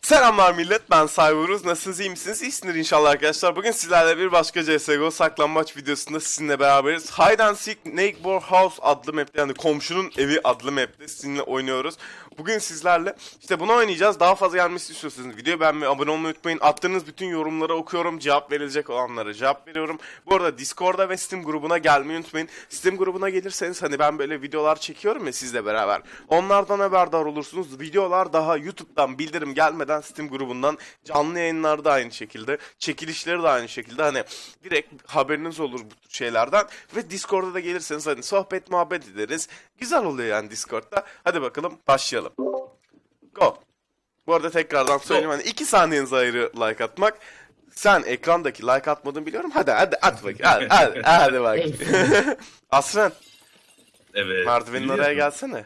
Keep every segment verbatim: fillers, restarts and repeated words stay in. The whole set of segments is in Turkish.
Selamlar millet, ben Cyberuz. Nasılsınız, iyi misiniz? İyisindir inşallah arkadaşlar. Bugün sizlerle bir başka C S G O saklanmaç videosunda sizinle beraberiz. Hide and Seek Neighbor House adlı map'te, yani komşunun evi adlı map'te sizinle oynuyoruz. Bugün sizlerle işte bunu oynayacağız. Daha fazla gelmesini istiyorsanız videoyu beğenmeyi, abone olmayı unutmayın. Attığınız bütün yorumları okuyorum, cevap verilecek olanlara cevap veriyorum. Bu arada Discord'a ve Steam grubuna gelmeyi unutmayın. Steam grubuna gelirseniz hani ben böyle videolar çekiyorum ya sizle beraber. Onlardan haberdar olursunuz. Videolar daha YouTube'dan bildirim gelmeden Steam grubundan, canlı yayınlar da aynı şekilde, çekilişleri de aynı şekilde, hani direkt haberiniz olur bu tür şeylerden. Ve Discord'a da gelirseniz hani sohbet muhabbet ederiz. Güzel oluyor yani Discord'da. Hadi bakalım başlayalım. Go. Bu arada tekrardan söyleyeyim, hani iki saniyenize ayrı like atmak. Sen ekrandaki like atmadığını biliyorum. Hadi hadi at bakayım. Hadi hadi, hadi bak. Asren. Evet. Merdivenin oraya gelsene.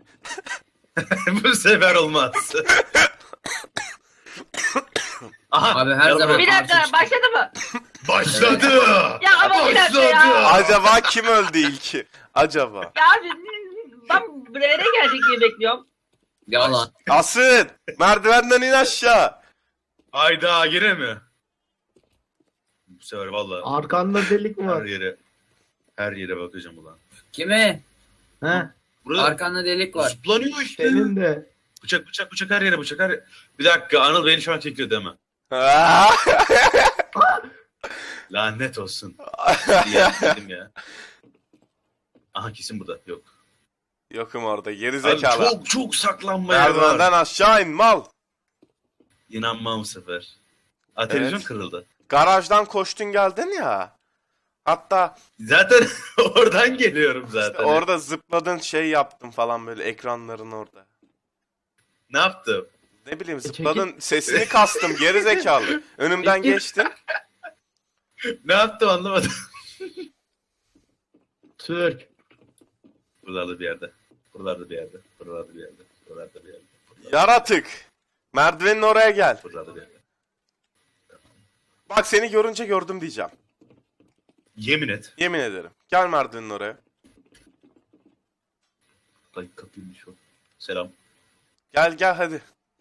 Bu sefer olmaz. Aha, Abi her zaman Bir dakika başladı mı? başladı. Ya ama bir dakika ya. Başladı. Acaba kim öldü ilki? Acaba. Ya abi ben buraya gelecek diye bekliyorum. yalan. Asren, merdivenden in aşağı. Hayda yine mi? Bu sefer valla Arkanda delik mi her var? yere her yere bakacağım ulan. Kime? He? Burada Arkanda delik var. zıplanıyor işte. Senin de. Bıçak bıçak bıçak her yere bıçak her yere. Bir dakika, Anıl beni şu an çekiyor değil mi? Lanet olsun. Ya, dedim ya. Aha kesin burada yok. Yokum orada, geri Abi zekalı. çok çok saklanmaya Merdivenden var. aşağı in mal. İnanmam bu sefer. Aa, televizyon Evet. kırıldı. Garajdan koştun geldin ya. Hatta Zaten oradan geliyorum işte zaten. orada zıpladın, şey yaptın falan, böyle ekranların orada. Ne yaptım? Ne bileyim, E, zıpladın, sesini kastım geri zekalı. Önümden Peki. geçtin. Ne yaptım anlamadım. Türk. Buralarda bir yerde. Buralarda bir yerde. Buralarda bir yerde. Buralarda bir yerde. Yaratık. Merdivenin oraya gel. Buralarda bir yerde. Bak, seni görünce gördüm diyeceğim. Yemin et. Yemin ederim. Gel merdivenin oraya. Ay kapıymış o. Selam. Gel gel hadi.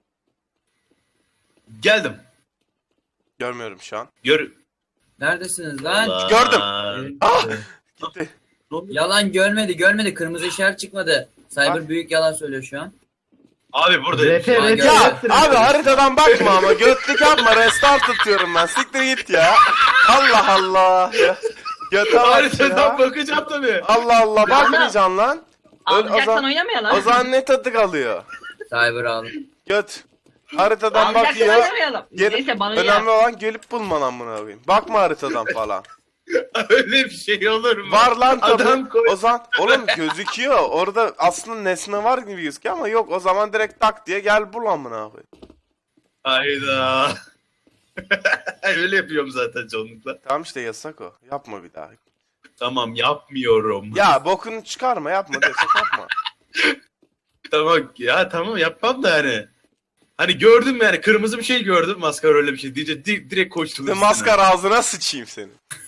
Geldim. Görmüyorum şu an. Gör. Neredesiniz lan? Allah. Gördüm. Ah! Gitti. Yalan görmedi görmedi. Kırmızı işaret çıkmadı. Cyber Ah. büyük yalan söylüyor şu an. Abi burada. R P, Şu an R P, gördüm. Ya R P. abi, haritadan bakma ama, götlük yapma, restart atıyorum ben. Siktir git ya. Allah Allah. Ya. Göte bak Haritadan ya. bakacağım tabii. Allah Allah, bakmayacaksın lan. Ö- o Alacaksan zaman, oynamayalım. o zaman ne tadı kalıyor? Cyber al. Göt. Haritadan Alacaksan bakıyor. oynamayalım. Gel- Neyse bana Önemli ya. olan gelip bulman amına koyayım. Bakma haritadan falan. Öyle bir şey olur mu? Var lan tabii. Adam koy. O zaman oğlum gözüküyor. Orada aslında nesne var gibi gözüküyor ama yok. O zaman direkt tak diye gel bul amına koyayım. Hayda. Öyle yapıyorum zaten çoğunlukla. Tamam işte, yasak o. Yapma bir daha. Tamam yapmıyorum. Ya bokunu çıkarma, yapma diyorsak yapma. Tamam ya, tamam yapmam da yani. Hani gördüm yani, kırmızı bir şey gördüm, maskara öyle bir şey diyece di- direkt koştum. Bir üstüne. maskara ağzına sıçayım seni.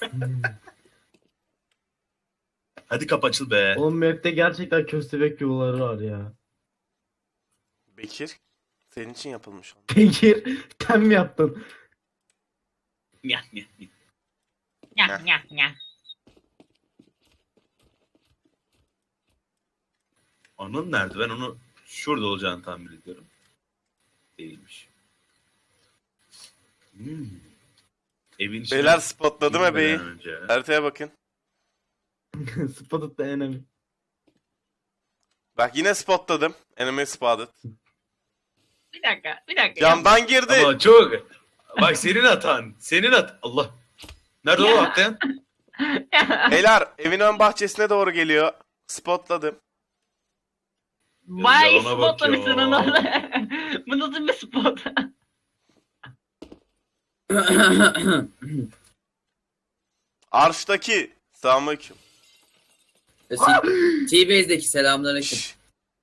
Hadi kap açıl be. Oğlum map'te gerçekten köstebek yolları var ya. Bekir, senin için yapılmış o. Bekir sen mi yaptın? Nyah, nyah, nyah. Ya ya ya. Onun nerede? Ben onu şurada olacağını tahmin ediyorum. Değilmiş. Hmm. Evin içine Beyler, spotladım girmeden ebeyi. önce. Haritaya bakın. Spotted the enemy. Bak, yine spotladım. Enemy spotted. Bir dakika bir dakika. Camdan girdi. Ama çok. Bak senin hatan. Senin hat. Allah. Nerede o atlayan? Ya. Beyler, evin ön bahçesine doğru geliyor. Spotladım. Bayağı iyi Yalana bak spotlamışsın ya. onu. Bu nasıl bir spot? Arş'taki. Selamünaleyküm. T-Base'deki selamünaleyküm. Şşş.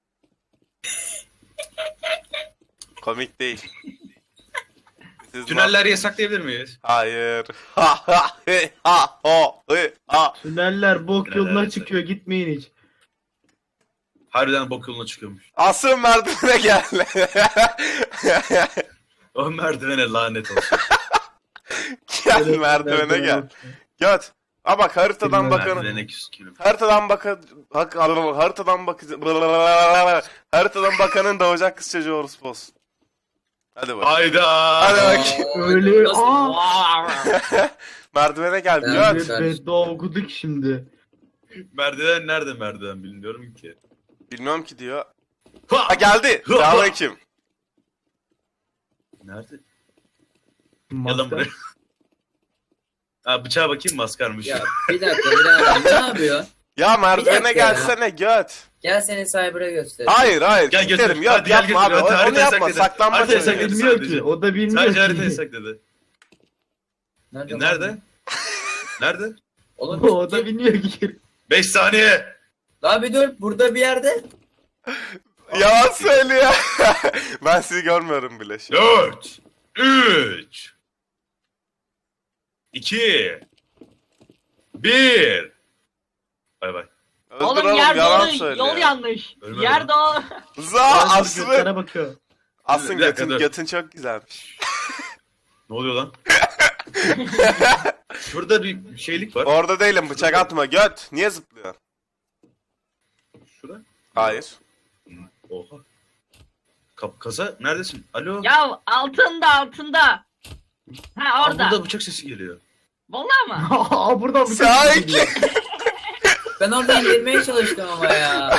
Komik değil. Siz Tüneller yasaklayabilir miyiz? Hayır. Ha ha he ha ho he ha. Tüneller bok Tüneller yoluna yasak. çıkıyor, gitmeyin hiç. Harbiden bok yoluna çıkıyormuş. Asıl merdivene gel. O merdivene lanet olsun. Gel merdivene gel. Göt. Aa bak haritadan bakın. Merdivene küskünüm. Haritadan bakın. Hak, haritadan bakın. Haritadan bakanın doğacak kız çocuğu orospu olsun. Hadi bak. Hayda. Hadi bak. Öyle Nasıl? aa. Merdivene gel. Ben- Göt. Bir beddua okuduk şimdi. Merdiven nerede merdiven bilmiyorum ki. Bilmiyorum ki diyor. Ha! Ha geldi. Selamünaleyküm. Nerede? Maskar. Yalan buraya. Ha bıçağa bakayım maskarmış. Ya bir dakika birader ne yapıyor? Ya Bir merdivene dakika gelsene göt. Gel seni Cyber'a göster. Hayır hayır. Gel götür. Giderim. Yok Hadi gel yapma abi. götür. Hadi Onu haritayı yapma. sakla. Saklanma. Haritayı seni. sakla. Bilmiyor sadece. ki. O da bilmiyor Sadece ki. haritayı sakladı. Nerede? E, Nerede? Nerede? Oğlum O da bilmiyor ki. beş saniye. Daha bir dur burada bir yerde. Yalan söylüyor. Ben sizi görmüyorum bile şu an. dört. üç. iki. bir. Bay bay. Öldür Oğlum yer yalan doğru, söylüyor. yol yanlış. Ölmedim. Yer doğru. Za Aslı. Göklere bakıyor. Aslın Bir dakika, götün, dur. götün çok güzelmiş. Ne oluyor lan? Şurada bir şeylik var. Orada değilim bıçak atma göt. Niye zıplıyor? Şurada. Hayır. Oha. Kap kasa neredesin? Alo. Ya altında altında. Ha Aa, orada. burada bıçak sesi geliyor. Vallahi mı? Aa buradan bir Sakin. Ben oradan girmeye çalıştım ama ya.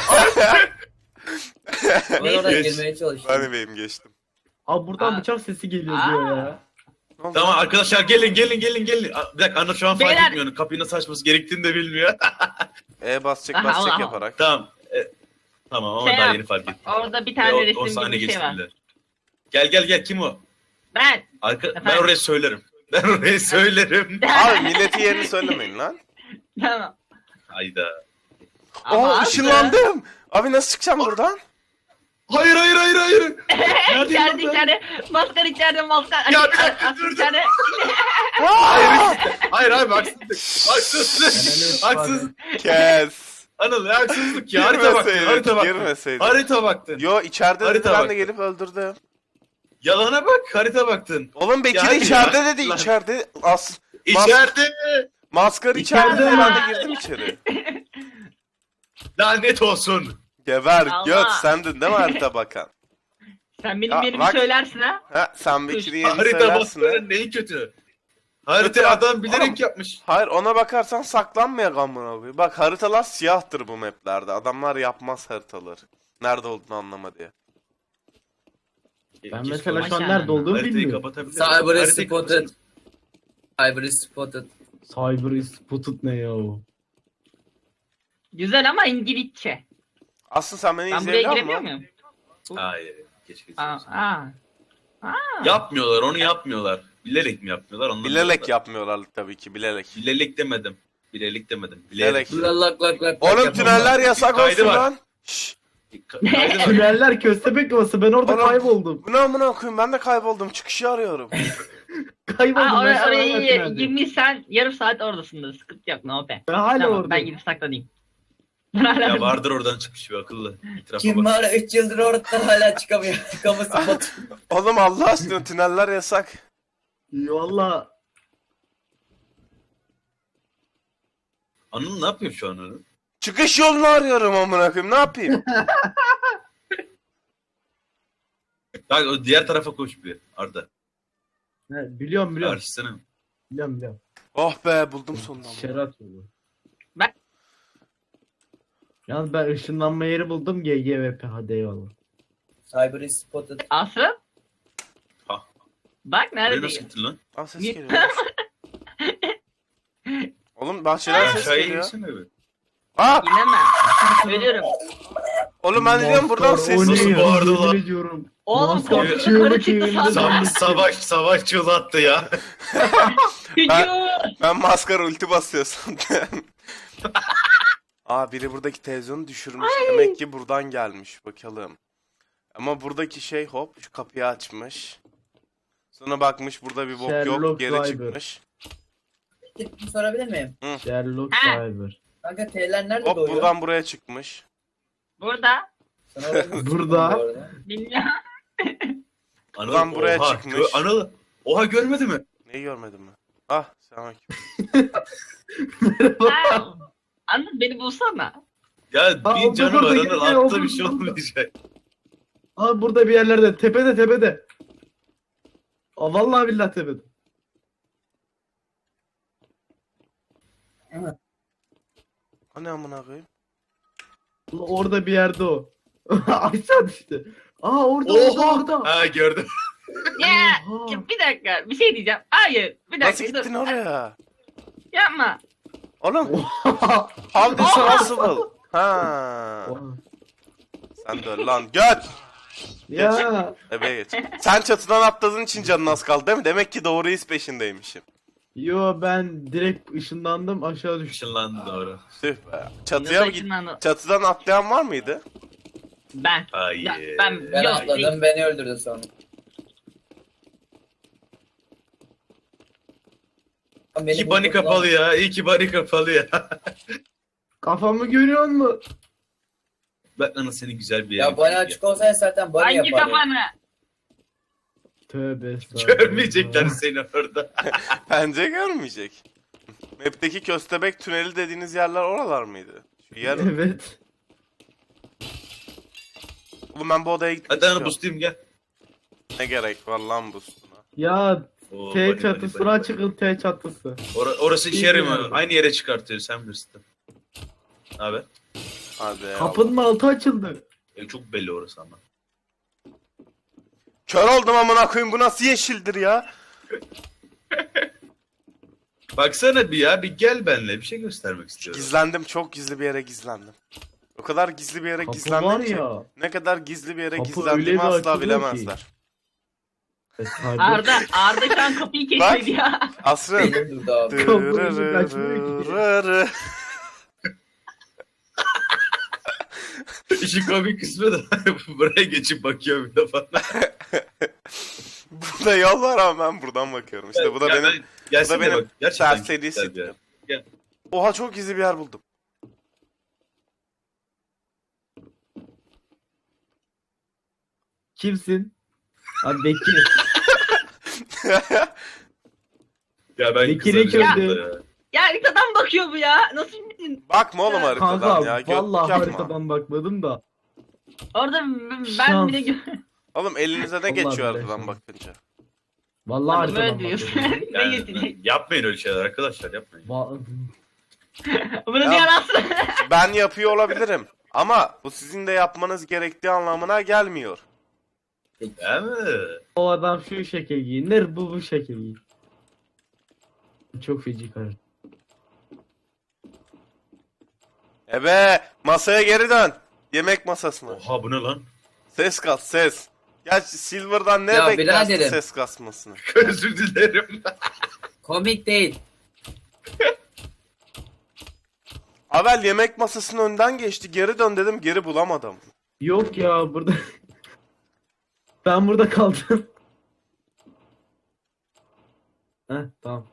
Ben oradan Geç. girmeye çalıştım. Ben bebeğim geçtim. Aa buradan Aa. bıçak sesi geliyor Aa. diyor ya. Tamam arkadaşlar gelin gelin gelin gelin. Aa, bir dakika Anna şu an fark Beyler. etmiyor. Kapıyı nasıl açması gerektiğini de bilmiyor. E basacak Aha, basacak Allah. yaparak. tamam. E, tamam ama Şey daha yap. yeni fark ettim. Orada bir E, tane o, o resim sahne gibi bir şey var. geçtiler. Gel gel gel kim o? Ben. Arka, ben Efendim? oraya söylerim. Ben oraya söylerim. Abi milleti yerini söylemeyin lan. Tamam. Hayda. Ama Aa Aslı- ışınlandım. Abi nasıl çıkacağım buradan? Hayır hayır hayır hayır. Neredeyim İçeride lan ben? içeride. Maskar içeride maskar. Ya, Açık- bir dakika, açık dur, dur. içeride. Hayır hayır abi haksızlık. Haksızlık. Haksızlık. Kes. Anıl haksızlık ya. Harita baktın. Girmeseydin. Harita baktın. Girmeseydin. Harita baktın. Yo içeride dedi Harita ben de baktı. gelip öldürdüm. Yalana bak harita baktın. Oğlum Bekir Ya hadi içeride ya. dedi Lan. içeride. As İçeride. maskar içeride İçeride ben mi? de girdim içeri. Lanet olsun. Geber Allah. göt sendin değil mi harita bakan? Sen benim Ya, yerimi bak. söylersin ha. Ha sen Bekir'in yerini Harita söylersin ha. bakmanın neyi kötü? Harita Kötü- adam bilerek Oğlum. yapmış. Hayır ona bakarsan saklanmayak amına koyayım. Bak haritalar siyahtır bu maplerde. Adamlar yapmaz haritaları. Nerede olduğunu anlama diye. Ben Keşke mesela şu an Maşallah. nerede olduğumu haritayı bilmiyorum. kapatabilirim. Cyber is Haritayı spotted. kapatsana. Cyber is spotted. Cyber is spotted ne ya o? Güzel ama İngilizce. Aslında sen beni Ben buraya izleyebiliyor giremiyor musun? muyum? Hayır. Keşke. Aa, aa. Yapmıyorlar onu yapmıyorlar. Bilerek mi yapmıyorlar? Ondan Bilerek bilmiyorum. yapmıyorlar tabii ki bilerek. Bilerek demedim. Bilerek demedim. Bilerek. Bilerek. Lak lak lak. Oğlum lak tüneller yasak Kaydı olsun var. lan. Şşş. Kaydı var. Tüneller köstebek yuvası ben orada Oğlum. kayboldum. Bu ne amına koyayım ben de kayboldum çıkışı arıyorum. Kayboldum Aa, ben oraya, şu an oraya hala tüneldeyim. girmişsen yarım saat oradasındır. Sıkıntı yok no be. Ben hala Tamam, oradayım. ben gidip saklanayım. Ben hala Ya vardır oradan çıkmış bir akıllı. İtirafa Kim bak. var üç yıldır oradan hala çıkamıyor. Çıkamı spot. Oğlum Allah aşkına tüneller yasak. Valla Anıl ne yapıyor şu an Anıl? Çıkış yolunu arıyorum amına koyayım ne yapayım? Bak o diğer tarafa koş bir Arda. he, biliyorum biliyorum. Karşısına. Biliyorum biliyorum. Oh be buldum sonunda. Şerat yolu. Ben- Yalnız ben ışınlanma yeri buldum G G V P hadi eyvallah. Cyber is spotted. Aslı. Ha. Bak Buraya nasıl neredeyim. gittin lan? Aa ses Niye- geliyor. Oğlum bahçeden ses Aşağıya geliyor. insene bir. Aa! İnemem. Ölüyorum. Oğlum ben diyorum buradan Maskar, ses o ne Nasıl ya? bağırdı lan? Yemin ediyorum. Oğlum Maskar korkunç çığlık yukarı çıktı evinde sandım. Savaş, savaş, savaş çığlattı ya. Hücum. Ben maskara ulti basıyor sandım. Aa biri buradaki televizyonu düşürmüş. Demek ki buradan gelmiş bakalım. Ama buradaki şey hop şu kapıyı açmış. Sonra bakmış burada bir bok yok Sherlock geri Cyber. çıkmış. Bir sorabilir miyim? Sherlock Ha. Cyber. Kanka T'ler nerede Hop doğuyor? buradan buraya çıkmış. Burada. Sen orada mısın Burada. bu arada? Bilmiyorum. Anıl, Buradan buraya oha, çıkmış. gö- Anıl. Oha görmedi mi? Neyi görmedin mi? Ah selamünaleyküm. Ha, Anladın beni bulsana. Ya Aa, bir o canı burada var geliyor, Anıl. o Atla bir şey burada. olmayacak. Aa burada bir yerlerde. Tepede tepede. Aa vallahi billahi tepede. O ne amına koyayım? Ulan orada bir yerde o. Aşağı düştü. Aa orada orada Oha. orada. Ha gördüm. Ya Oha. ya bir dakika bir şey diyeceğim. Hayır bir dakika. Nasıl gittin dur. oraya? Yapma. Oğlum Oha. how this possible? Ha. Oha. Sen de öl lan göt. Ya. Ebe geç. Sen çatıdan atladığın için canın az kaldı değil mi? Demek ki doğru iz peşindeymişim. Yo ben direkt ışınlandım aşağı düştüm. Işınlandı doğru. Tüh be. Çatıya mı Nasıl git? ışınlandı? Çatıdan atlayan var mıydı? Ben. Hayır. Ya, ben Ben yok. atladım, beni öldürdü sonra. Beni İyi ki bani buldun lan. kapalı ya. İyi ki bani kapalı ya. Kafamı görüyor musun? Ben Anıl seni güzel bir yere Ya bani götüreyim açık olsaydı zaten bani Hangi yapardım. kafanı? Tövbe ya. estağfurullah. Görmeyecekler seni orada. Bence görmeyecek. Map'teki köstebek tüneli dediğiniz yerler oralar mıydı? Şu yer... Evet. Oğlum ben bu odaya gitmek Hadi Anıl istiyorum. boostlayayım gel. Ne gerek var lan boostuna? Ya Oo, T bani, çatısına bani, bani. çıkın T çatısı. Ora- orası işe yaramıyor. Bilmiyorum. Aynı yere çıkartıyor sen bilirsin. Abi. Hadi ya. Kapının altı açıldı. E, çok belli orası ama. Kör oldum amına koyayım, bu nasıl yeşildir ya? Baksana bir ya, bir gel benimle, bir şey göstermek istiyorum. Gizlendim, çok gizli bir yere gizlendim. O kadar gizli bir yere Kapı gizlendim var ki. ya. Ne kadar gizli bir yere Kapı gizlendiğimi öyle bir asla açılıyor bilemezler. E, tabii. Arda, Arda şu an kapıyı keşfedi ya. Asrın. Beni öldürdü abi. Kapıyı kaçmıyor ki. Dırırırırı. İşin komik kısmı da buraya geçip bakıyor bir de bana. Burada yol var ama ben buradan bakıyorum. İşte bu da Ya benim ben- gelsene bu da benim bak, gerçekten serseri güzel bir yer. siktim. Oha, çok gizli bir yer buldum. Kimsin? Abi Bekir. Ya ben Bekir'e kızaracağım köylü. burada ya. Ya haritadan bakıyor bu ya. Nasıl bildin? Bakma oğlum haritadan Kanka ya. Götlük vallahi yapma. haritadan bakmadım da. Orada ben Şans. bile gör. Oğlum elinize ne Vallahi geçiyor billahi haritadan şans. bakınca? Vallahi Böyle haritadan diyorsun. bakmadım. Ne Yani, getirecek? yapmayın öyle şeyler arkadaşlar, yapmayın. Va- Bunu Ya. bir arasın. Ben yapıyor olabilirim. Ama bu sizin de yapmanız gerektiği anlamına gelmiyor. Değil mi? O adam şu şekil giyinir, bu bu şekil giyinir. Çok feci karı. Ebe, masaya geri dön. Yemek masasına. Oha bu ne lan? Ses kas, ses. Gerçi Silver'dan ne Ya beklersin biraderim. ses kasmasını? Özür dilerim. Komik değil. Avel yemek masasının önden geçti. Geri dön dedim, geri bulamadım. Yok ya burada. Ben burada kaldım. Heh tamam.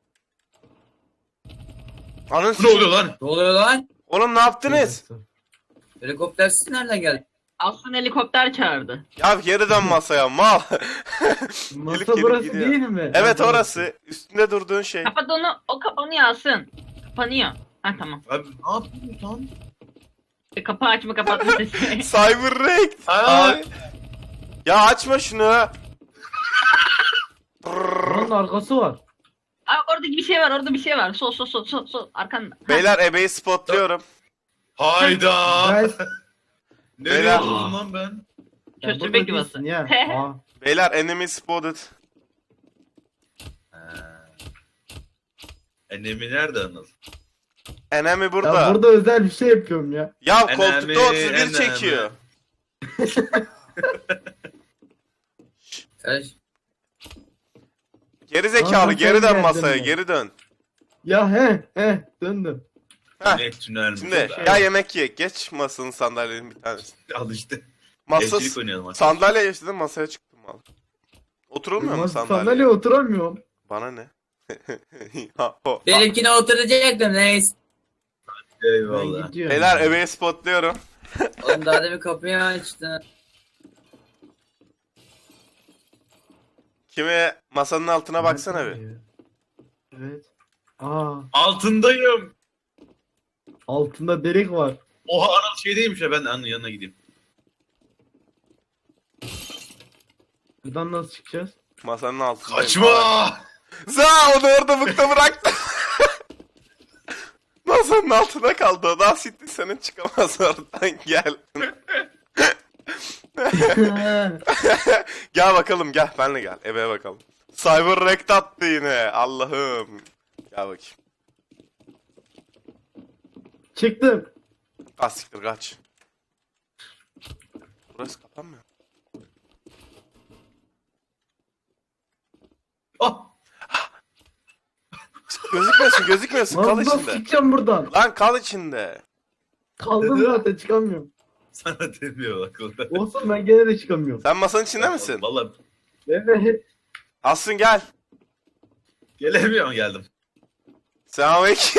Anın Ne oluyor lan? Ne oluyor lan? Oğlum ne yaptınız? Helikoptersiz nereden geldi? Aslında helikopter çağırdı. Ya geri dön masaya mal. Masa Gelip gelip burası gidiyor. değil mi? Evet Ha, orası. Üstünde durduğun şey. Kapat onu. O kapanıyor Asın. Kapanıyor. Ha tamam. Abi ne yapıyorsun lan? E, kapı açma kapatma sesi. Cyber Raid. Aa! Ay. Ya açma şunu. Buranın arkası var. Abi orada bir şey var. Orada bir şey var. Sol sol sol sol sol. Arkanda. Ha. Beyler ebeyi spotluyorum. Hayda. Ben... Nereye Beyler. oldum lan ben? Ya Köstebek burada yuvası. değilsin ya. Aa, Beyler enemy spotted. Ha. Enemi nerede Anıl? Enemy ya burada. burada özel bir şey yapıyorum ya. Ya Enemy, koltukta otuz bir enemy. çekiyor. Karış. Geri Aa, zekalı, sen geri dön geldin masaya, ya. geri dön. Ya he he döndüm. Heh. Ne tünel Şimdi mi? ya yemek ye. Geç masanın sandalyenin bir tanesi. Al işte. Masa Evcilik oynayalım arkadaşlar. sandalye geçtim, masaya çıktım al. Oturulmuyor mu Masa sandalye? sandalyeye oturamıyorum. Bana ne? Ha, ho. Benimkine oturacaktım neyse. Ben Eyvallah. gidiyorum. Beyler ebeyi spotluyorum. Oğlum daha demin kapıyı açtı. Kimi masanın altına baksana bir. Evet. Aa, Altındayım. altında delik var. Oha Anıl şeydeymiş ya, ben Anıl'ın yanına gideyim. Buradan nasıl çıkacağız? Masanın altında. Kaçma! Za onu orada bıkta bıraktı. Masanın altına kaldı. O daha siktir senin çıkamaz oradan gel. Gel bakalım gel benle gel eve bakalım. Cyber rekt attı yine Allah'ım. Gel bakayım. Çıktım. Ah siktir kaç. Burası kapanmıyor. Oh! Gözükmesin gözükmesin kal Lan nasıl içinde. çıkacağım buradan? Lan kal içinde. Kaldım zaten çıkamıyorum. Sana demiyor akılda. Olsun ben gene de çıkamıyorum. Sen masanın içinde misin? Vallahi Evet. Asrın gel. gelemiyorum, geldim. Selamünaleyküm.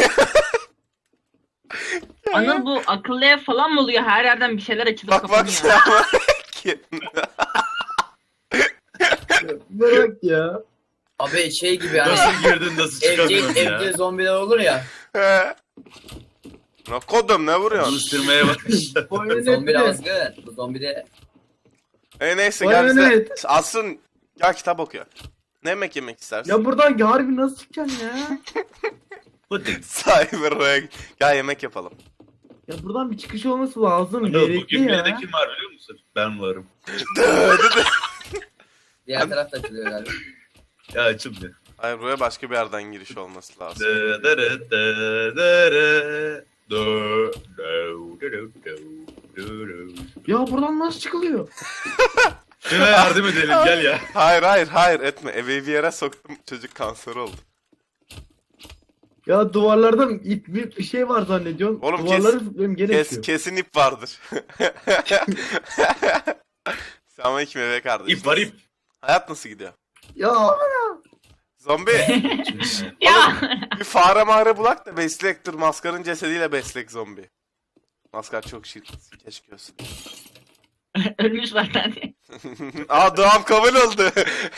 Anıl bu akıllı ev falan mı oluyor? Her yerden bir şeyler açılıp Bak bak kapanıyor. selamünaleyküm. Bırak ya. Abi şey gibi hani Nasıl girdin, nasıl evde, çıkamıyorum evde ya. zombiler olur ya. He. Ne kodum ne vuruyorsun? Alıştırmaya başladı. Zombi azgın. Bu zombi de E neyse Vay gel bize. evet. Asrın gel kitap oku. Ne yemek yemek istersin? Ya buradan harbi nasıl çıkacaksın ya? Pudding. Cyber'a gel yemek yapalım. Ya buradan bir çıkış olması lazım. Anıl, Gerekli bugün ya. beni kim var biliyor musun? Ben varım. diğer tarafta açılıyor galiba. Ya açıldı. Hayır buraya başka bir yerden giriş olması lazım. Dı dırı dı dırı. Dı dı dı dı dı dı. Ya buradan nasıl çıkılıyor? Şuna yardım edelim, gel ya. Hayır hayır hayır etme. Evi bir yere soktum çocuk kanser oldu. Ya duvarlarda ip bir, bir şey var zannediyorum. Oğlum kes- Duvarları zıplıyorum gene Kes, çıkıyor. kesin ip vardır. Selamünaleyküm eve kardeşim. İp var ip. Hayat nasıl gidiyor? Ya Zombi Ya. bir fare mağara bulak da beslek dur maskarın cesediyle beslek zombi. Maskar çok şirket keşke olsun. Ölmüş zaten. Aa doğam kabul oldu.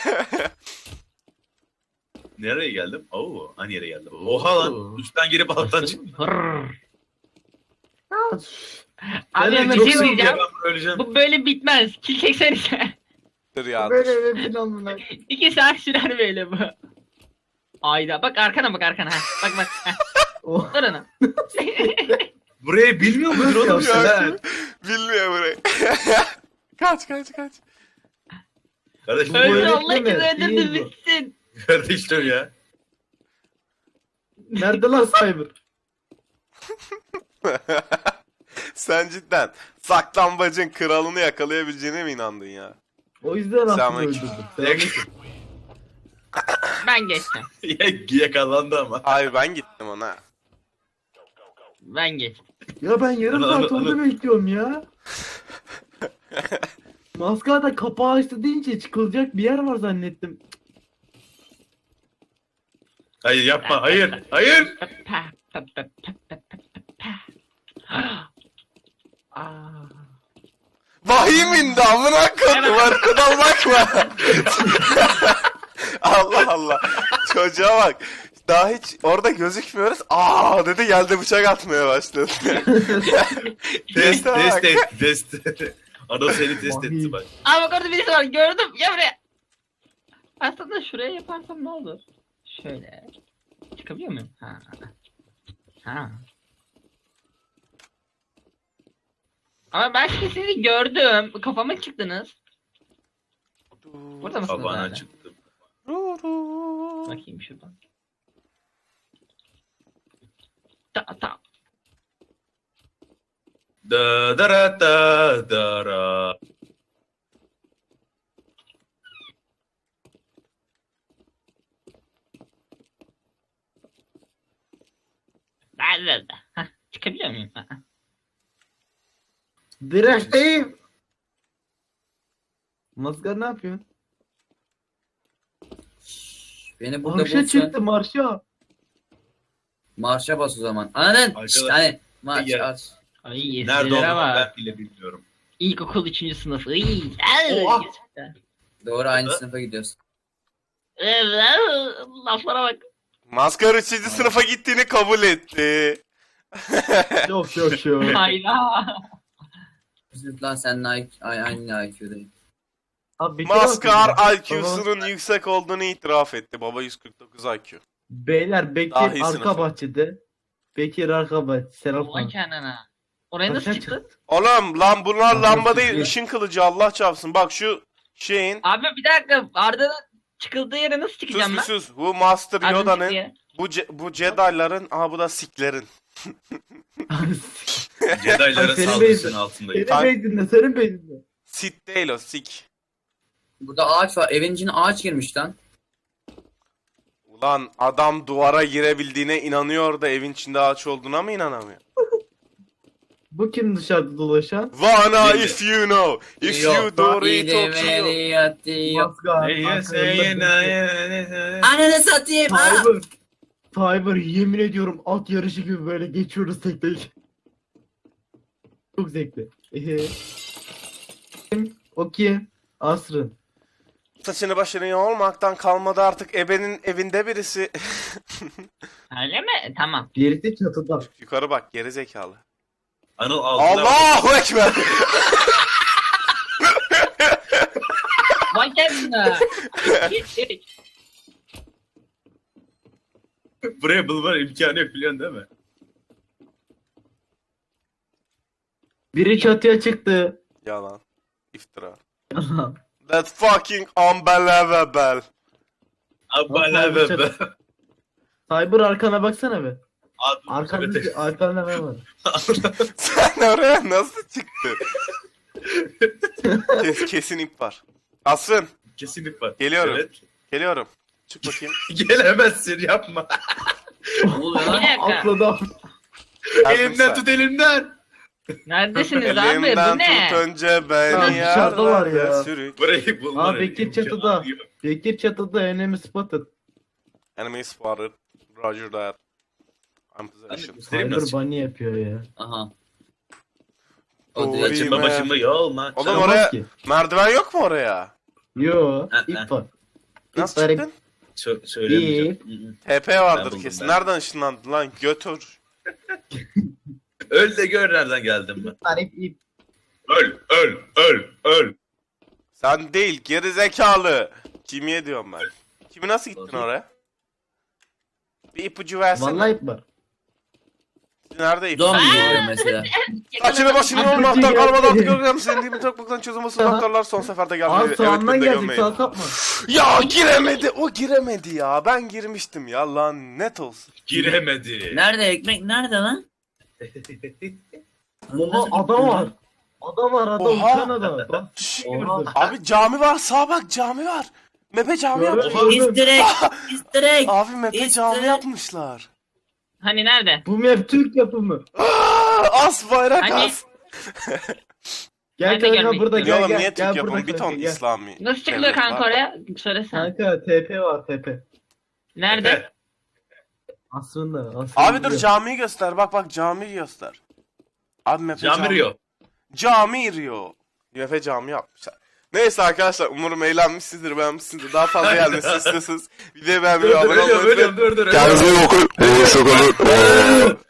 Nereye geldim? Oo, aynı yere geldim. Oha lan. Üstten girip alttan çıktım. Hırr. ya, Abi Ben bir çok şey sıkıldım. diyeceğim. Ben öleceğim. Bu böyle bitmez. Kil çeksenize. Dur ya. böyle eve falan bunlar. İki saat sürer böyle bu. Ayda bak arkana bak arkana. Ha. Bak bak. Ha. Oh. Dur onu. Burayı bilmiyor mudur oğlum Yok sen? ya. ha? Bilmiyor burayı. kaç kaç kaç. Kardeşim, Bu Öldü öğretmen Allah mi? için öldürdü Değil bu. bitsin. kardeşim ya. Nerede lan Cyber? Sen cidden saklambacın kralını yakalayabileceğine mi inandın ya? O yüzden aslında Selamünaleyküm. öldürdüm. Selamünaleyküm. Ben geçtim. Ya- Yakalandı ama. Hayır ben gittim ona. Ben geçtim. Ya ben yarım Ana, saat ana, orada ana. bekliyorum ya. Maskara kapağı açtı deyince çıkılacak bir yer var zannettim. Hayır yapma, hayır, hayır. Pa, pa, pa, pa, pa, pa, pa, pa. Aa. Vahim indi amına koydum arkadan bakma. Allah Allah. Çocuğa bak. Daha hiç orada gözükmüyoruz. Aa dedi geldi bıçak atmaya başladı. Test, Teste bak. test et, test. Ana seni test etti bak. Aa bak orada birisi var gördüm. Ya buraya. Aslında şuraya yaparsam ne olur? Şöyle. Çıkabiliyor muyum? Ha. Ha. Ama ben şimdi sizi gördüm. Kafama çıktınız. Burada mısınız? Tabağına hala? çıktım. Bakayım şuradan. Ta ta. Da da ra da da ra. Da da da. Hah, çıkabiliyor muyum? Ha, ha. Direkteyim. Maskar ne yapıyorsun? Beni burada Marşa bulsun. çıktı marşa. Marşa bas o zaman. Anladın? Arkadaş- Şşt, hani marş Gel. aç. Ay Nerede eskilere olduğunu bak. ben bile bilmiyorum. İlkokul üçüncü sınıf. Iy. ay, Oha! gerçekten. Doğru aynı Ha? sınıfa gidiyoruz. Laflara bak. Maskar üçüncü sınıfa gittiğini kabul etti. Yok yok yok. Hayda. Üzüldü lan seninle I- ay- aynı I Q'dayım. Abi bir kere bakın Maskar ya. I Q'sunun yüksek olduğunu itiraf etti. Baba yüz kırk dokuz I Q. Beyler Bekir Dahi arka sınıfı. bahçede. Bekir arka bahçede. Serap Ulan Han. kendine. Oraya nasıl Kaç- çıktın? Oğlum lan bunlar Abi, lamba değil siktir. ışın kılıcı Allah çarpsın. Bak şu şeyin Abi bir dakika. Arda'nın çıkıldığı yere nasıl sus çıkacağım bir ben? sus. Bu Master Arda'nın çıktığı Yoda'nın yere. bu Ce- bu Jedi'ların aha bu da Siklerin. Jedi'ların Senin saldırısının beyzin. altındayım. Senin beyninde, senin beyninde. Sith değil o Sik. Burada ağaç var. Evin içine ağaç girmiş lan. Ulan adam duvara girebildiğine inanıyor da evin içinde ağaç olduğuna mı inanamıyor? Bu kim dışarıda dolaşan? Vana Belli. if you know. If Yok, you do iyi it demeli Tokyo. yatıyor. Maskar. Hey, yes, arkalarında hey, Bekir. na, ya, ya. Ananı satayım. ha! Fiber. Fiber yemin ediyorum at yarışı gibi böyle geçiyoruz tek tek. Çok zevkli. Ehe. Kim? O kim? Asrın. Saçını başını yolmaktan kalmadı artık ebenin evinde birisi. Öyle mi? Tamam. Birisi çatıda. Yukarı bak geri zekalı. Anıl altına bak. Allahu Ekber. Vay kendine. Buraya bulma imkanı yok biliyorsun değil mi? Biri çatıya çıktı. Yalan. İftira. That fucking unbelievable. Abala be be. Cyber arkana baksana be. Ad- Arkanda, arkanda ne var? Sen oraya nasıl çıktın? Kes, kesin ip var. Asrın Kesinlik var. Geliyorum. Evet. geliyorum. Çık bakayım. Gelemezsin yapma. Ne oluyor Bir lan? dakika. Atladı. Yardım elimden sen. tut elimden. Neredesiniz abi? Bu Elimden ne? tut önce Ya beni dışarıdalar yerlerde ya. sürük. Burayı bulma. Aa, Bekir çatıda. Bekir çatıda enemy spotted. Enemy spotted. Roger that. I'm possession. Göstereyim Cyber nasıl? bunny yapıyor ya. Aha. Doğru. O direkt Saçımda başımda yolma. Oğlum Çıkamaz oraya ki. merdiven yok mu oraya? Yo, Ha, ip ha. var. Nasıl İp var, çıktın? Sö- söylemeyeceğim. Hı hı. T P vardır Ben buldum, kesin. ben. Nereden ışınlandın lan? Götür. Öl de gör nereden geldim ben. ip var, ip, ip. Öl, öl, öl, öl. Sen değil geri zekalı. Kimiye diyorum ben. Kimi nasıl gittin Doğru. oraya? Bir ipucu versene. Vallahi ip var. Nerede ip? Zombi geliyor mesela. Saçını başını Ipucu olmaktan geldi. kalmadan artık görüyorum senin gibi tokmaktan çözülmesi doktorlar son seferde Aa gelmedi. sağından beni de geldik, gömmeyin. sağ sapma. Ya giremedi o giremedi ya. Ben girmiştim ya lan net olsun. Giremedi. Nerede ekmek? Nerede lan? Oha ada var. Ada var, ada Oha. uçan ada. Bak, Şşş. Oha. Abi cami var sağa bak cami var. Mepe cami Gördüm. yapmış. Easter egg. Easter egg. Abi Mepe İşte. cami yapmışlar. Hani nerede? Bu map Türk yapımı. Aa, as bayrak Hani? as. Gel Ben de kanka görmek burada Ya gel oğlum gel. niye gel Türk yapımı burada bir ton kanka, gel. İslami. Nasıl çıkılıyor devlet kanka var. oraya? Söylesene. Kanka T P var T P. Nerede? Aslında aslında. Abi dur yok. camiyi göster bak bak camiyi göster. Abi Mepe cami. Camiriyor. Cami iriyor. Mepe cami yapmışlar. Neyse arkadaşlar umarım eğlenmişsinizdir beğenmişsinizdir. Daha fazla gelmesini istiyorsanız videoyu Dur beğenmeyi dur abone olmayı ölüyorum unutmayın. ölüyorum dur dur. Kendinize iyi bakın. Hoşçakalın.